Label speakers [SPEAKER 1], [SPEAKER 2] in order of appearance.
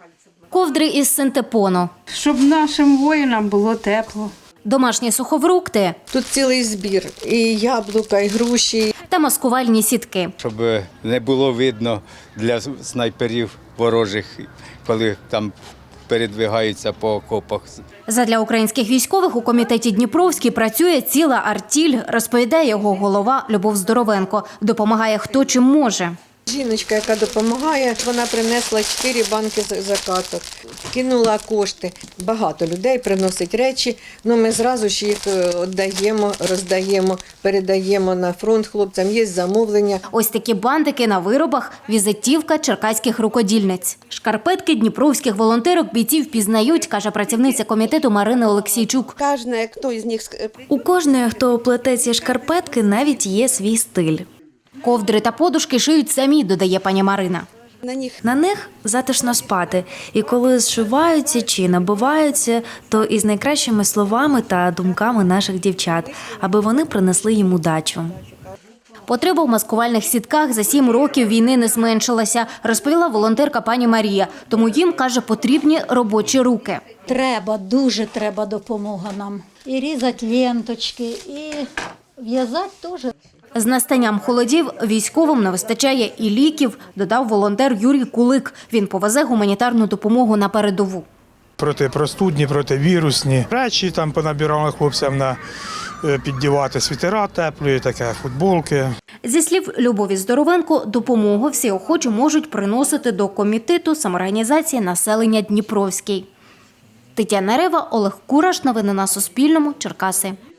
[SPEAKER 1] Ковдри із синтепону,
[SPEAKER 2] Щоб нашим воїнам було тепло.
[SPEAKER 1] домашні сухофрукти
[SPEAKER 3] Тут цілий збір. І яблука, і груші.
[SPEAKER 1] та маскувальні сітки.
[SPEAKER 4] Щоб не було видно для снайперів ворожих, коли там передвигаються по окопах.
[SPEAKER 1] Задля українських військових у комітеті Дніпровський працює ціла артіль, розповідає його голова Любов Здоровенко. Допомагає хто чим може.
[SPEAKER 3] Жіночка, яка допомагає, вона принесла 4 банки закаток, кинула кошти. Багато людей приносить речі, ми зразу ж їх віддаємо, роздаємо, передаємо на фронт хлопцям, є замовлення.
[SPEAKER 1] Ось такі бантики на виробах – візитівка черкаських рукодільниць. Шкарпетки дніпровських волонтерок бійців пізнають, каже працівниця комітету Марина Олексійчук.
[SPEAKER 3] Кожна, хто із них
[SPEAKER 5] У кожної, хто плете ці шкарпетки, навіть є свій стиль.
[SPEAKER 1] Ковдри та подушки шиють самі, додає пані Марина.
[SPEAKER 5] На них затишно спати. І коли зшиваються чи набиваються, то із найкращими словами та думками наших дівчат, аби вони принесли їм удачу.
[SPEAKER 1] Потреба в маскувальних сітках за 7 років війни не зменшилася, розповіла волонтерка пані Марія. Тому їм, каже, потрібні робочі руки.
[SPEAKER 6] Треба, дуже треба допомога нам. І різати ленточки, і в'язати теж.
[SPEAKER 1] З настанням холодів військовим не вистачає і ліків, додав волонтер Юрій Кулик. Він повезе гуманітарну допомогу на передову.
[SPEAKER 7] Протипростудні, противірусні речі там понабирали хлопцям на піддівати світера теплі, таке футболки.
[SPEAKER 1] Зі слів Любові Здоровенко, допомогу всі охочі можуть приносити до комітету самоорганізації населення Дніпровський. Тетяна Рева, Олег Кураш. Новини на Суспільному. Черкаси.